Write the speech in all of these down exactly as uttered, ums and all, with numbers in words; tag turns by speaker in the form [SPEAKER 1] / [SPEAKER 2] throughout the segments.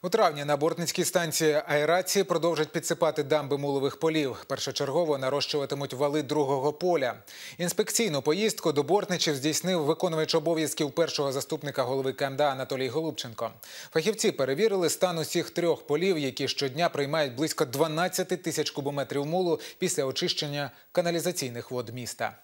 [SPEAKER 1] У травні на Бортницькій станції аерації продовжать підсипати дамби мулових полів. Першочергово нарощуватимуть вали другого поля. Інспекційну поїздку до Бортничів здійснив виконувач обов'язків першого заступника голови ка ем да Анатолій Голубченко. Фахівці перевірили стан усіх трьох полів, які щодня приймають близько дванадцяти тисяч кубометрів мулу після очищення каналізаційних вод міста.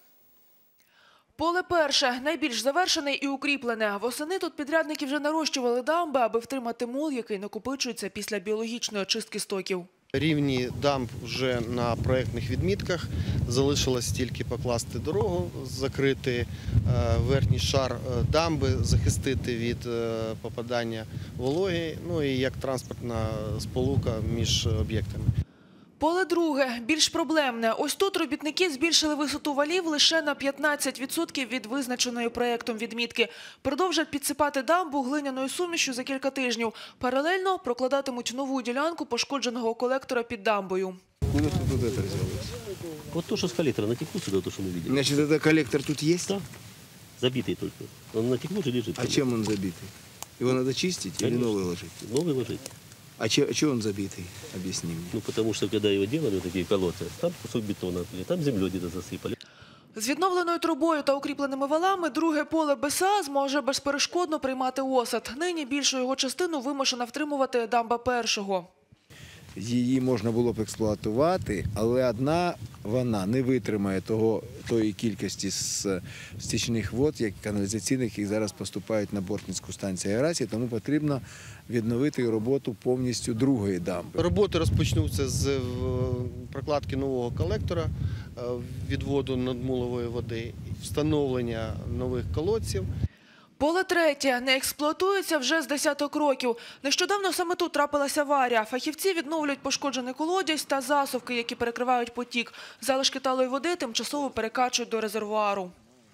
[SPEAKER 2] Поле перше – найбільш завершене і укріплене. Восени тут підрядники вже нарощували дамби, аби втримати мул, який накопичується після біологічної очистки стоків.
[SPEAKER 3] Рівні дамб вже на проєктних відмітках. Залишилось тільки покласти дорогу, закрити верхній шар дамби, захистити від попадання вологи, ну і як транспортна сполука між об'єктами.
[SPEAKER 2] Поле друге – більш проблемне. Ось тут робітники збільшили висоту валів лише на п'ятнадцять відсотків від визначеної проєктом відмітки. Продовжать підсипати дамбу глиняною сумішю за кілька тижнів. Паралельно прокладатимуть нову ділянку пошкодженого колектора під дамбою.
[SPEAKER 4] Куда тут это взялось?
[SPEAKER 5] Вот то, что с коллектора натекло сюда, то, что мы видели.
[SPEAKER 4] Значит, это коллектор тут есть?
[SPEAKER 5] Да, забитый только. Он натекло же лежит.
[SPEAKER 4] А чем он забитый? Его надо чистить
[SPEAKER 5] Конечно.
[SPEAKER 4] или новый ложить?
[SPEAKER 5] Новый ложить.
[SPEAKER 4] А че, че он забитый? Объясни мне.
[SPEAKER 5] Ну, потому что, когда его делали, вот такие колодцы, там кусок бетона, там землей где-то засыпали.
[SPEAKER 2] З відновленою трубою та укріпленими валами друге поле БЕСА зможе безперешкодно приймати осад. Нині більшу його частину вимушена втримувати дамба першого.
[SPEAKER 6] Її можна було б експлуатувати, але одна вона не витримає того, тої кількості стічних вод, як каналізаційних, які зараз поступають на Бортницьку станцію аерації, тому потрібно відновити роботу повністю другої дамби.
[SPEAKER 3] Роботи розпочнуться з прокладки нового колектора, відводу надмулової води, встановлення нових колодців.
[SPEAKER 2] Поле третє не експлуатується вже з десяток років. Нещодавно саме тут трапилася аварія. Фахівці відновлюють пошкоджений колодязь та засувки, які перекривають потік. Залишки талої води тимчасово перекачують до резервуару.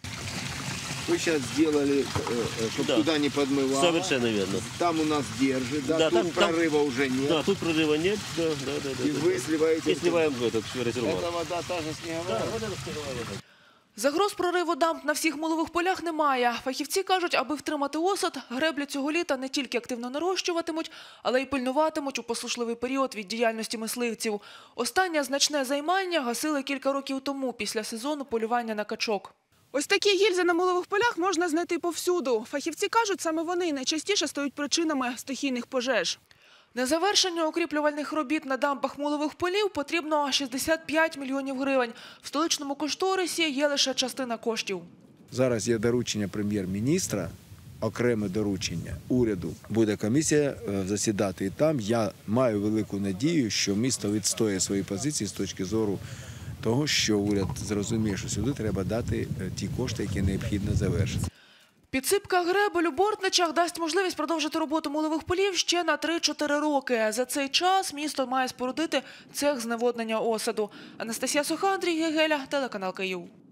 [SPEAKER 4] Вы сейчас сделали, чтобы
[SPEAKER 5] Да.
[SPEAKER 4] туда не подмывало.
[SPEAKER 5] Совершенно верно.
[SPEAKER 4] Там у нас держит, да,
[SPEAKER 5] Да,
[SPEAKER 4] тут
[SPEAKER 5] там- там-
[SPEAKER 4] прорыва уже нет.
[SPEAKER 5] Да, тут прорыва нет. Да, да, да, да,
[SPEAKER 4] И
[SPEAKER 5] да,
[SPEAKER 4] вы
[SPEAKER 5] да.
[SPEAKER 4] сливаете.
[SPEAKER 5] И сливаем в этот резервуар.
[SPEAKER 4] Это вода та же снеговая.
[SPEAKER 5] Да, вот это снеговая вода.
[SPEAKER 2] Загроз прориву дамб на всіх мулових полях немає. Фахівці кажуть, аби втримати осад, греблі цього літа не тільки активно нарощуватимуть, але й пильнуватимуть у послушливий період від діяльності мисливців. Останнє значне займання гасили кілька років тому, після сезону полювання на качок. Ось такі гільзи на мулових полях можна знайти повсюду. Фахівці кажуть, саме вони найчастіше стають причинами стихійних пожеж. На завершення укріплювальних робіт на дамбах мулових полів потрібно шістдесят п'ять мільйонів гривень. В столичному кошторисі є лише частина коштів.
[SPEAKER 6] Зараз є доручення прем'єр-міністра, окреме доручення уряду. Буде комісія засідати і там. Я маю велику надію, що місто відстоює свої позиції з точки зору того, що уряд зрозуміє, що сюди треба дати ті кошти, які необхідно завершити.
[SPEAKER 2] Підсипка гребель у Бортничах дасть можливість продовжити роботу мулових полів ще на три-чотири роки. За цей час місто має спорудити цех зневоднення осаду. Анастасія Суха, Андрій Гегеля, телеканал Київ.